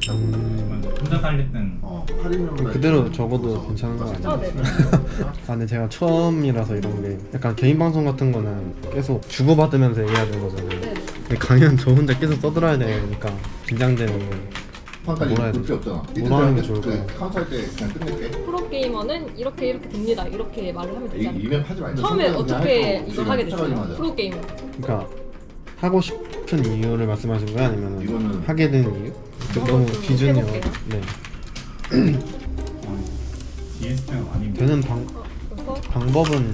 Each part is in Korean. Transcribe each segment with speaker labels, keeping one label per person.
Speaker 1: 혼자 달릴 땐
Speaker 2: 그대로 적어도 괜찮은 거 아니에요?
Speaker 3: 네.
Speaker 2: 아 근데 제가 처음이라서 이런 게 약간 개인 방송 같은 거는 계속 주고받으면서 얘기해야 되는 거잖아요.
Speaker 3: 네.
Speaker 2: 근데 강연 저 혼자 계속 떠들어야 되니까 긴장되는 거.
Speaker 4: 판까지
Speaker 2: 뭐라 해야
Speaker 4: 볼게
Speaker 2: 되지?
Speaker 4: 없잖아.
Speaker 2: 뭐라 하는 게 좋을까요?
Speaker 4: 카운터 할 때 그냥 끝낼게.
Speaker 3: 프로게이머는 이렇게 됩니다. 이렇게 말을 하면 되잖아요.
Speaker 4: 이면 하지 말자.
Speaker 3: 처음에 어떻게 이걸
Speaker 4: 지금
Speaker 3: 하게
Speaker 4: 쫓아가지
Speaker 3: 됐어요?
Speaker 4: 마자.
Speaker 3: 프로게이머.
Speaker 2: 그러니까 하고 싶은 이유를 말씀하신 거예요? 아니면
Speaker 4: 이거는
Speaker 2: 하게 된 이유? 너무
Speaker 3: 좀
Speaker 2: 기준이
Speaker 3: 해볼게요.
Speaker 2: 네.
Speaker 1: DSP가 아니면
Speaker 2: 되는
Speaker 3: 그래서
Speaker 2: 방법은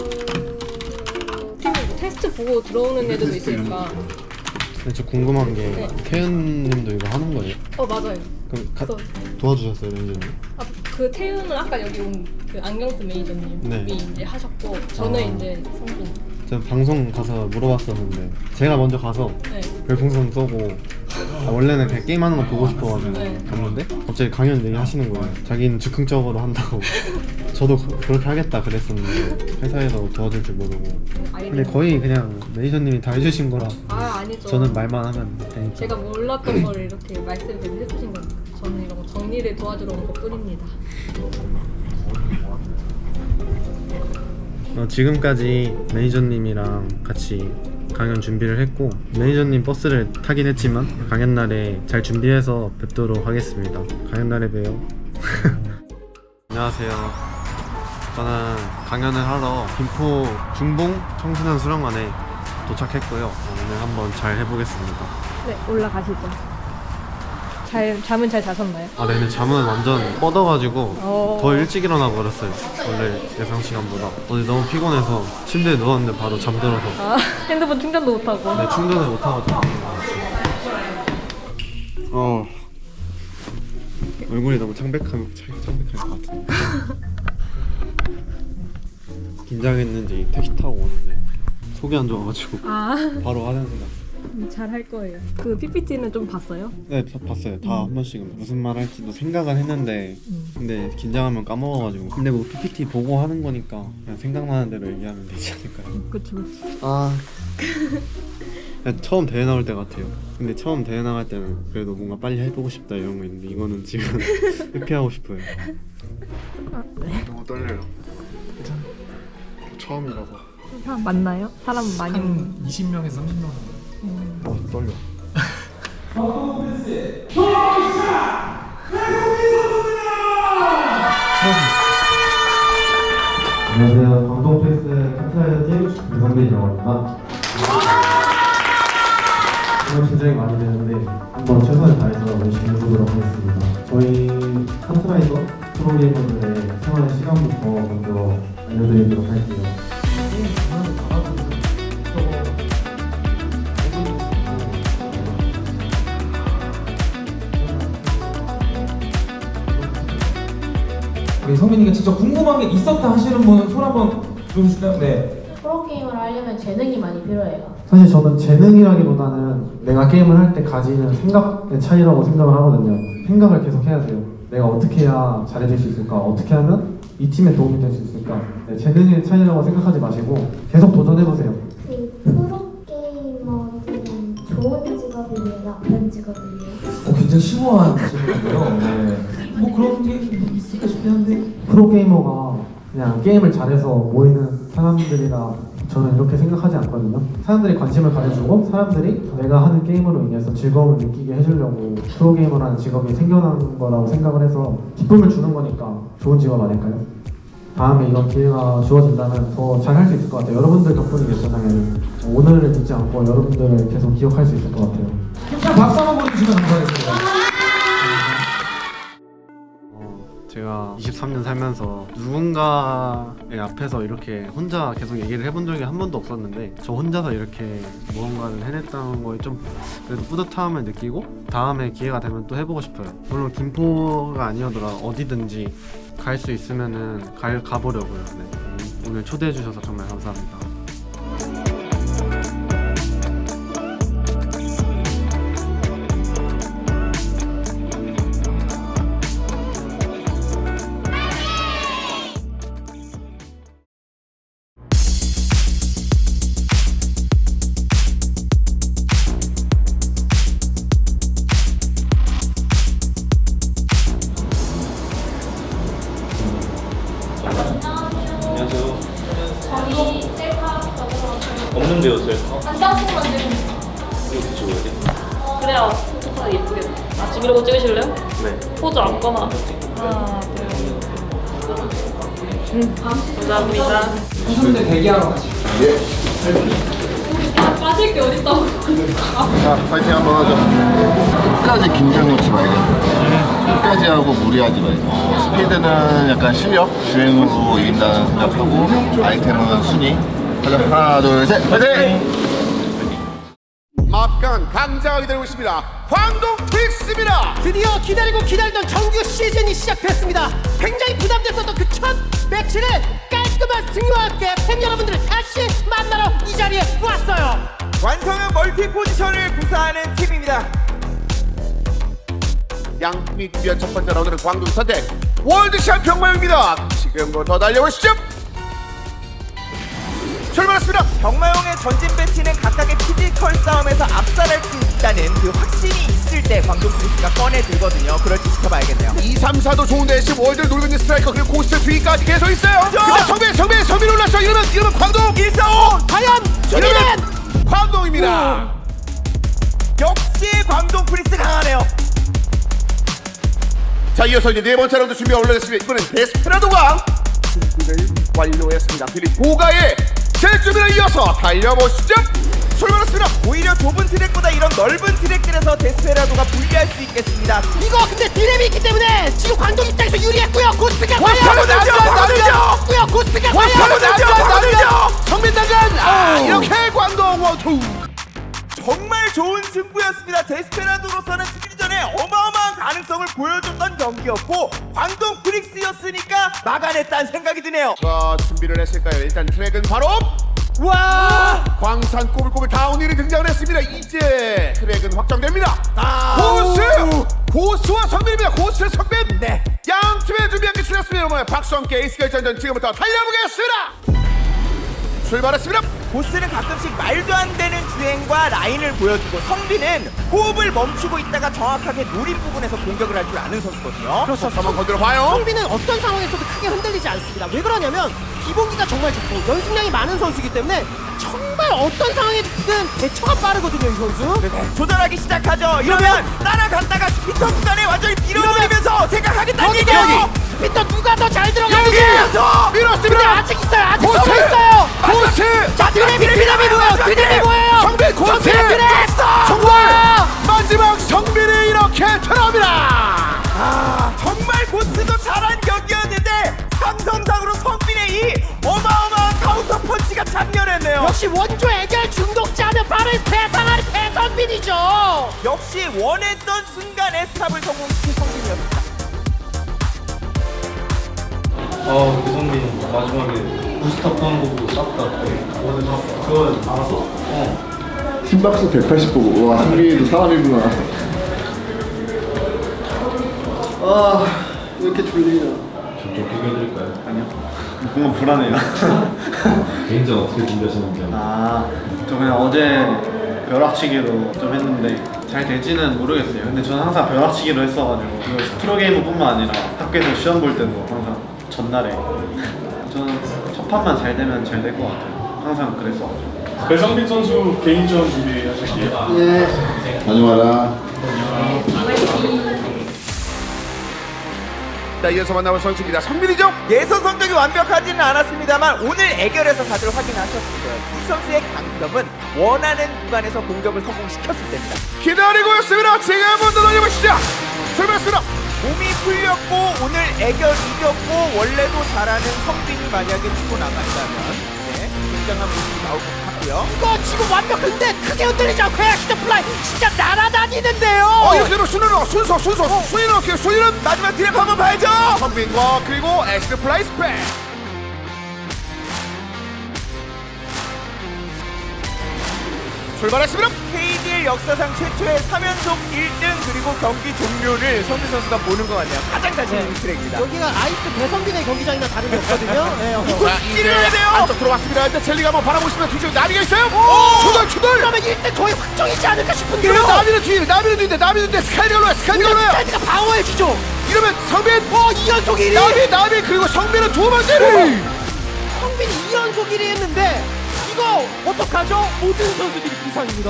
Speaker 3: 팀 테스트 보고 들어오는 애들도 있으니까.
Speaker 2: 근데 저 궁금한 게
Speaker 3: 네.
Speaker 2: 태연님도 이거 하는 거예요?
Speaker 3: 맞아요.
Speaker 2: 그럼
Speaker 3: 그래서
Speaker 2: 도와주셨어요, 매니저님?
Speaker 3: 그 태우는 아까 여기 온 그 안경쓴 매니저님이
Speaker 2: 네.
Speaker 3: 이제 하셨고 저는
Speaker 2: 아.
Speaker 3: 이제 성빈.
Speaker 2: 제가 방송 가서 물어봤었는데 제가 먼저 가서
Speaker 3: 네.
Speaker 2: 별풍선 쏘고 원래는 그냥 게임하는 거 보고 싶어가지고
Speaker 3: 네.
Speaker 2: 갔는데 갑자기 강연 얘기 하시는 거예요. 자기는 즉흥적으로 한다고. 저도 그렇게 하겠다 그랬었는데 회사에서 도와줄 줄 모르고. 근데 거의 그냥 매니저님이 다 해주신 거라
Speaker 3: 아니죠.
Speaker 2: 저는 말만 하면 되니까.
Speaker 3: 제가 몰랐던 걸 이렇게 말씀을 해주신 거니까 저는 이런 거 정리를 도와주러 온 것뿐입니다.
Speaker 2: 지금까지 매니저님이랑 같이 강연 준비를 했고 매니저님 버스를 타긴 했지만 강연 날에 잘 준비해서 뵙도록 하겠습니다. 강연 날에 봬요. 안녕하세요. 저는 강연을 하러 김포 중봉 청소년 수련관에 도착했고요. 오늘 한번 잘 해보겠습니다.
Speaker 3: 네, 올라가시죠. 잠은 잘 자셨나요?
Speaker 2: 아, 네, 근데 잠은 완전 뻗어가지고
Speaker 3: 어.
Speaker 2: 더 일찍 일어나 버렸어요. 원래 예상 시간보다. 어제 너무 피곤해서 침대에 누웠는데 바로 잠들어서.
Speaker 3: 핸드폰 충전도 못하고.
Speaker 2: 네, 충전을 못하고 얼굴이 너무 창백할 것 같은데. 긴장했는지 택시 타고 오는데 속이 안 좋아가지고 바로 화장실 갔어요.
Speaker 3: 잘 할 거예요. 그 PPT는 좀 봤어요?
Speaker 2: 네, 봤어요. 다 한 번씩은 무슨 말 할지도 생각은 했는데 근데 긴장하면 까먹어가지고. 근데 뭐 PPT 보고 하는 거니까 그냥 생각나는 대로 얘기하면 되지 않을까요?
Speaker 3: 그쵸.
Speaker 2: 그냥 처음 대회 나올 때 같아요. 근데 처음 대회 나갈 때는 그래도 뭔가 빨리 해보고 싶다 이런 거 있는데 이거는 지금 회피하고 싶어요. 너무 떨려요. 처음이라서.
Speaker 3: 사람 많나요? 사람 많이 오는.
Speaker 1: 한 20명에서 30명 정도.
Speaker 2: 떨려. 안녕하세요. 광동패스 카트라이더 팀 유성빈이라고 합니다. 오늘 긴장이 많이 되는데 한번 최선을 다해서 열심히 해보도록 하겠습니다. 저희 카트라이더 프로게이머들의 생활 시간부터 먼저 알려드리도록 할게요.
Speaker 5: 우리 성민이가 진짜 궁금한 게 있었다 하시는 분은 손 한번 들어주실까요? 네.
Speaker 6: 프로게이머를 하려면 재능이 많이 필요해요.
Speaker 7: 사실 저는 재능이라기보다는 내가 게임을 할 때 가지는 생각의 차이라고 생각을 하거든요. 생각을 계속 해야 돼요. 내가 어떻게 해야 잘해질 수 있을까? 어떻게 하면 이 팀에 도움이 될 수 있을까? 네, 재능의 차이라고 생각하지 마시고 계속 도전해보세요.
Speaker 6: 그 프로게이머들은 좋은 직업이에요? 나쁜 직업이에요?
Speaker 5: 굉장히 심오한 질문이고요. 네. 뭐 그런 게 있을까 싶긴 한데.
Speaker 7: 프로게이머가 그냥 게임을 잘해서 모이는 사람들이라 저는 이렇게 생각하지 않거든요. 사람들이 관심을 가져주고 사람들이 내가 하는 게임으로 인해서 즐거움을 느끼게 해주려고 프로게이머라는 직업이 생겨난 거라고 생각을 해서 기쁨을 주는 거니까 좋은 직업 아닐까요? 다음에 이런 기회가 주어진다면 더 잘 할 수 있을 것 같아요. 여러분들 덕분이겠죠, 당연히. 오늘을 잊지 않고 여러분들을 계속 기억할 수 있을 것 같아요.
Speaker 5: 힘찬 박수 한번 보내주시면 감사하겠습니다.
Speaker 2: 제가 23년 살면서 누군가의 앞에서 이렇게 혼자 계속 얘기를 해본 적이 한 번도 없었는데 저 혼자서 이렇게 무언가를 해냈다는 거에 좀 그래도 뿌듯함을 느끼고 다음에 기회가 되면 또 해보고 싶어요. 물론 김포가 아니어더라 어디든지 갈 수 있으면은 가보려고요. 네. 오늘 초대해 주셔서 정말 감사합니다.
Speaker 8: 배웠어요?
Speaker 3: 한 장씩만 찍으면
Speaker 8: 이렇게 찍어야 돼?
Speaker 3: 그래야 포토카드 예쁘게 나. 아 지금 이러고 찍으실래요?
Speaker 8: 네.
Speaker 3: 포즈 아무거나. 하나 둘. 감사합니다.
Speaker 5: 선수들 대기하러 가시죠.
Speaker 3: 아 빠질 게 어딨다고.
Speaker 4: 자, 파이팅 한번 하죠. 끝까지 긴장 놓지 말고. 끝까지 하고 무리하지 말고. 스피드는 약간 실력, 주행으로 이긴다는 생각하고, 아이템은 순위. 가자, 하나, 둘, 셋, 파이팅!
Speaker 9: 막강한 강자가 기다리고 있습니다. 광동 트윅스입니다.
Speaker 10: 드디어 기다리고 기다리던 정규 시즌이 시작됐습니다. 굉장히 부담됐었던 그 첫 매치를 깔끔한 승리와 함께 팬 여러분들을 다시 만나러 이 자리에 왔어요.
Speaker 9: 완성형 멀티 포지션을 구사하는 팀입니다. 양팀이 준비한 첫 번째 라운드는 광동 선택 월드 챔피언 모형입니다. 지금부터 달려보시죠. 출발했습니다.
Speaker 10: 경마용의 전진 배치는 각각의 피지컬 싸움에서 압살할 수 있다는 그 확신이 있을 때 광동 프리스가 꺼내 들거든요. 그럴 때 지켜봐야겠네요.
Speaker 9: 2, 3, 4도 좋은데 지금 월드를 노리고 있는 스트라이커 그리고 고스트 뒤까지 계속 있어요. 근데 성빈 올랐어. 이러면 광동 1, 4, 5
Speaker 10: 과연
Speaker 9: 이러면 광동입니다.
Speaker 10: 역시 광동 프리스 강하네요.
Speaker 9: 자, 이어서 이제 네 번째 라운드 준비가 올라됐습니다. 이번엔 데스페라도가 준비를 완료했습니다. 필립 보가의 제주비를 이어서 달려보시죠. 출발했습니다.
Speaker 10: 오히려 좁은 트랙보다 이런 넓은 트랙들에서 데스페라도가 불리할 수 있겠습니다. 이거 근데 디램이 있기 때문에 지금 광동 입장에서 유리했고요. 고스피가 과연 고스피가 과연
Speaker 9: 성빈 당근 이렇게 광동 원투.
Speaker 10: 정말 좋은 승부였습니다. 데스페라도로서는 승리 전에 어마어마한 가능성을 보여줬던 경기였고 광동 프릭스였으니까 막아냈다는 생각이 드네요.
Speaker 9: 자, 준비를 했을까요? 일단 트랙은 바로
Speaker 10: 와!
Speaker 9: 광산 꼬불꼬불 다운힐이 등장을 했습니다. 이제 트랙은 확정됩니다. 고수와 성빈입니다. 고수의 성빈.
Speaker 10: 네.
Speaker 9: 양 팀의 준비한 게 지났습니다. 여러분 박수 함께 에이스 결전전 지금부터 달려보겠습니다. 출발했습니다.
Speaker 10: 보스는 가끔씩 말도 안 되는 주행과 라인을 보여주고 성빈은 호흡을 멈추고 있다가 정확하게 노린 부분에서 공격을 할 줄 아는 선수거든요.
Speaker 9: 그렇죠. 한번 건드려 봐요.
Speaker 10: 성빈은 어떤 상황에서도 크게 흔들리지 않습니다. 왜 그러냐면 기본기가 정말 좋고 연습량이 많은 선수이기 때문에 정말 어떤 상황에든 대처가 빠르거든요, 이 선수. 조절하기 시작하죠. 이러면 따라갔다가 스피터 구간에 완전히 밀어버리면서 생각하겠다는 얘기예요. 스피터 누가 더 잘 들어가는지
Speaker 9: 밀었습니다.
Speaker 10: 근데 아직 있어요. 아직 서고 있어요.
Speaker 9: 고스.
Speaker 10: 자, 드랩이 뭐예요? 드랩이 뭐예요?
Speaker 9: 성빈 고스.
Speaker 10: 드랩.
Speaker 9: 정말 마지막 성빈이 이렇게 들어갑니다.
Speaker 10: 아, 정말 고스도 잘한 경기였는데 상성상으로 성빈의 이 어마어마한 카운터 펀치가 장렬했네요. 역시 원조 애결 중독자는 바로 대상한 대성빈이죠. 역시 원했던 순간에 스탑을 성공시킨 성빈이었습니다.
Speaker 2: 배성빈 마지막에 부스터 떠는 거 보고 쌌다. 오늘 그건 알았어?
Speaker 4: 심박수 180 보고 와 승리도 사람이구나. 왜 이렇게 졸리냐.
Speaker 1: 좀 비교해드릴까요?
Speaker 2: 아니요. 뭔가 불안해요.
Speaker 1: 개인전 어떻게 준비하셨는지.
Speaker 2: 저 그냥 어제 벼락치기로 좀 했는데 잘 될지는 모르겠어요. 근데 저는 항상 벼락치기로 했어가지고 이거 프로게이머뿐만 아니라 학교에서 시험 볼 때도 항상 전날에 저는 첫 판만 잘 되면 잘 될 것 같아요. 항상 그랬어가지고.
Speaker 1: 배성빈 선수 개인전 준비하실게요.
Speaker 4: 다녀와라.
Speaker 9: 자, 이어서 만나볼 선수입니다. 성빈이죠?
Speaker 10: 예선 성적이 완벽하지는 않았습니다만 오늘 애결에서 다들 확인하셨을 거예요. 이 선수의 강점은 원하는 구간에서 공격을 성공시켰을 때입니다.
Speaker 9: 기다리고 있습니다. 지금부터 달려보시죠. 출발했습니다.
Speaker 10: 몸이 풀렸고 오늘 애결 이겼고 원래도 잘하는 성빈이 만약에 치고 나간다면 굉장한 모습이 나올 것 같고요. 이거 지금 완벽한데 크게 흔들리지 않고 액시드 플라이 진짜 날아다니는데요.
Speaker 9: 이렇게 되면 순위는 어떻게 순위는
Speaker 10: 마지막 드랩 한번 봐야죠.
Speaker 9: 성빈과 그리고 엑스트 플라이 스펙. 출발했습니다.
Speaker 10: KDL 역사상 최초의 3연속 1등 그리고 경기 종료를 성빈 선수가 보는 것 같네요. 가장 자신 있는 트랙입니다. 여기가 아이스 배성빈의 경기장이나 다른 게 없거든요.
Speaker 9: 자, 이제 안쪽 들어왔습니다. 일단 젤리가 한번 바라보시면 뒤쪽에 나비가 있어요. 추돌.
Speaker 10: 그러면 1등 거의 확정이지 않을까 싶은데요.
Speaker 9: 이러면 나비는 뒤인데 스카이가 올라요.
Speaker 10: 스카이가 방어해주죠.
Speaker 9: 이러면 성빈
Speaker 10: 2연속 1위.
Speaker 9: 나비 그리고 성빈은 두 번째로.
Speaker 10: 성빈이 2연속 1위 했는데 이거 어떡하죠? 모든 선수들이 부상입니다.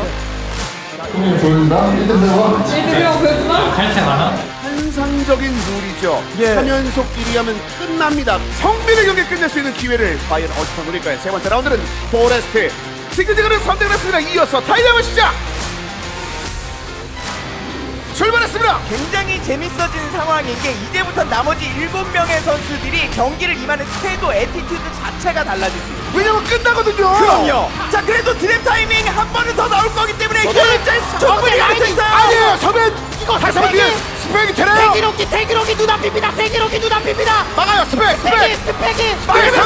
Speaker 9: 환상적인 룰이죠.
Speaker 10: 예.
Speaker 9: 3연속 1위 하면 끝납니다. 성민의 경기 끝낼 수 있는 기회를 과연 어떻게 노릴까요? 세 번째 라운드는 포레스트 지그지그를 선택을 했습니다. 이어서 타이밍을 시작! 출발했습니다.
Speaker 10: 굉장히 재밌어지는 상황인 게 이제부터 나머지 7명의 선수들이 경기를 임하는 태도, 애티튜드 자체가 달라질 수 있어요.
Speaker 9: 왜냐면 끝나거든요.
Speaker 10: 그럼요. 자, 그래도 드랩 타이밍 한 번은 더 나올 거기 때문에 효율자 충분히 갈 수 있어요.
Speaker 9: 아니에요. 서면 이거 다시 한번 뒤에 스펙이 되나요?
Speaker 10: 대기록이 눈앞입니다. 대기록이 눈앞입니다.
Speaker 9: 막아요. 스펙.
Speaker 10: 스펙이.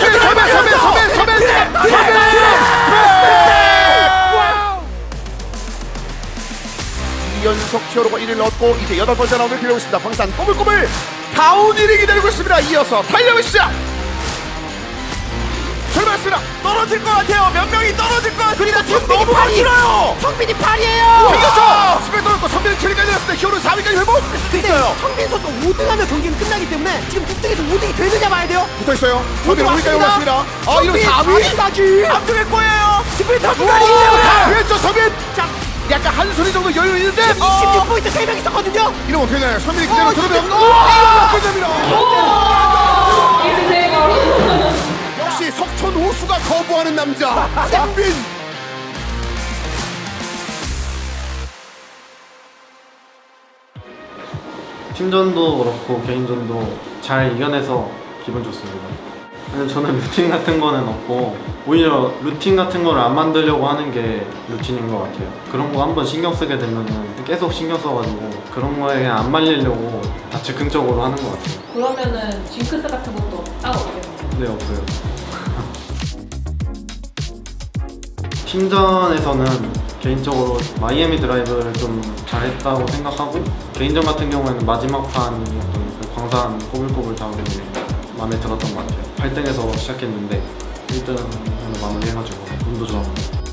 Speaker 9: 서면. 연속 히어로가 1위를 얻고 이제 8번째 라운드를 기다리고 있습니다. 광산 꼬불꼬불 다운 1위 기다리고 있습니다. 이어서 달려의 시작! 출발했습니다.
Speaker 10: 떨어질 것 같아요. 몇 명이 떨어질 것 같습니다. 성빈이 팔이에요. 성빈이 팔이에요.
Speaker 9: 이겼죠! 스펙 떨어졌고 선배는 7위까지 내렸습니다. 히어로는 4위까지 회복!
Speaker 10: 있어요. 성빈 선수 5등하면 경기는 끝나기 때문에 지금 6등에서 5등이 되느냐 봐야 돼요.
Speaker 9: 붙어있어요. 선배는 5위까지 올랐습니다. 이러면 4위?
Speaker 10: 4위까지 앞쪽에 꼬여요. 스프린터 구간이
Speaker 9: 왼쪽 선배! 약간 한 소리 정도 여유 있는데
Speaker 10: 26포인트 3명 있었거든요.
Speaker 9: 이러면 어떻게 되나요? 선배이 그대로 들어오면 이러면 끝납니다. 역시 석천 호수가 거부하는 남자 선빈.
Speaker 2: 팀전도 그렇고 개인전도 잘 이겨내서 기분 좋습니다. 아니, 저는 루틴 같은 거는 없고 오히려 루틴 같은 거를 안 만들려고 하는 게 루틴인 것 같아요. 그런 거 한번 신경 쓰게 되면은 계속 신경 써가지고 그런 거에 그냥 안 말리려고 다 즉흥적으로 하는 것 같아요.
Speaker 3: 그러면은 징크스 같은 것도 따로 없겠네요.
Speaker 2: 네, 없어요. 팀전에서는 개인적으로 마이애미 드라이브를 좀 잘했다고 생각하고 개인전 같은 경우에는 마지막 판이 어떤 그 광산 꼬불꼬불 다운이 마음에 들었던 것 같아요. 8등에서 시작했는데 1등으로 마무리해가지고 운도 좋았고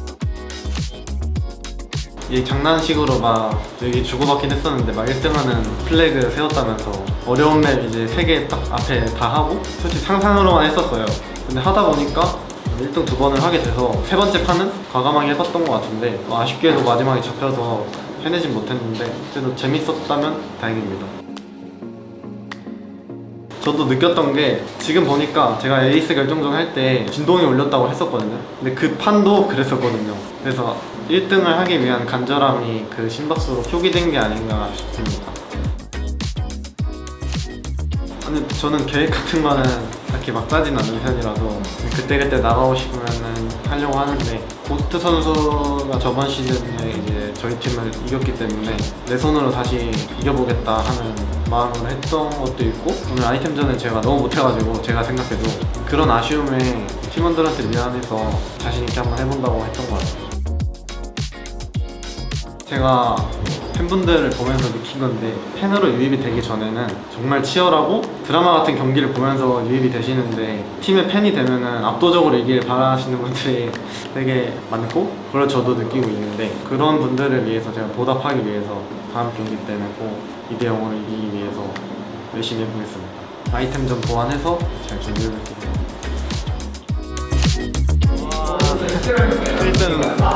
Speaker 2: 이 장난식으로 막 여기 주고받긴 했었는데 막 1등하는 플래그 세웠다면서 어려운 맵 이제 3개 딱 앞에 다 하고 솔직히 상상으로만 했었어요. 근데 하다 보니까 1등 2번을 하게 돼서 세 번째 판은 과감하게 해봤던 것 같은데 아쉽게도 마지막에 잡혀서 해내진 못했는데 그래도 재밌었다면 다행입니다. 저도 느꼈던 게 지금 보니까 제가 에이스 결정전 할 때 진동이 울렸다고 했었거든요. 근데 그 판도 그랬었거든요. 그래서 1등을 하기 위한 간절함이 그 심박수로 표기된 게 아닌가 싶습니다. 아니 저는 계획 같은 거는 딱히 막 짜진 않는 편이라서 그때그때 나가고 싶으면은 하려고 하는데 고스트 선수가 저번 시즌에 이제 저희 팀을 이겼기 때문에 내 손으로 다시 이겨보겠다 하는 마음으로 했던 것도 있고 오늘 아이템전은 제가 너무 못해가지고 제가 생각해도 그런 아쉬움에 팀원들한테 미안해서 자신있게 한번 해본다고 했던 것 같아요. 제가 팬분들을 보면서 느낀 건데 팬으로 유입이 되기 전에는 정말 치열하고 드라마 같은 경기를 보면서 유입이 되시는데 팀의 팬이 되면은 압도적으로 이기길 바라시는 분들이 되게 많고 그걸 저도 느끼고 있는데 그런 분들을 위해서 제가 보답하기 위해서 다음 경기 때는 꼭 2대0으로 이기기 위해서 열심히 해보겠습니다. 아이템전 보완해서 잘 준비해볼게요. 1등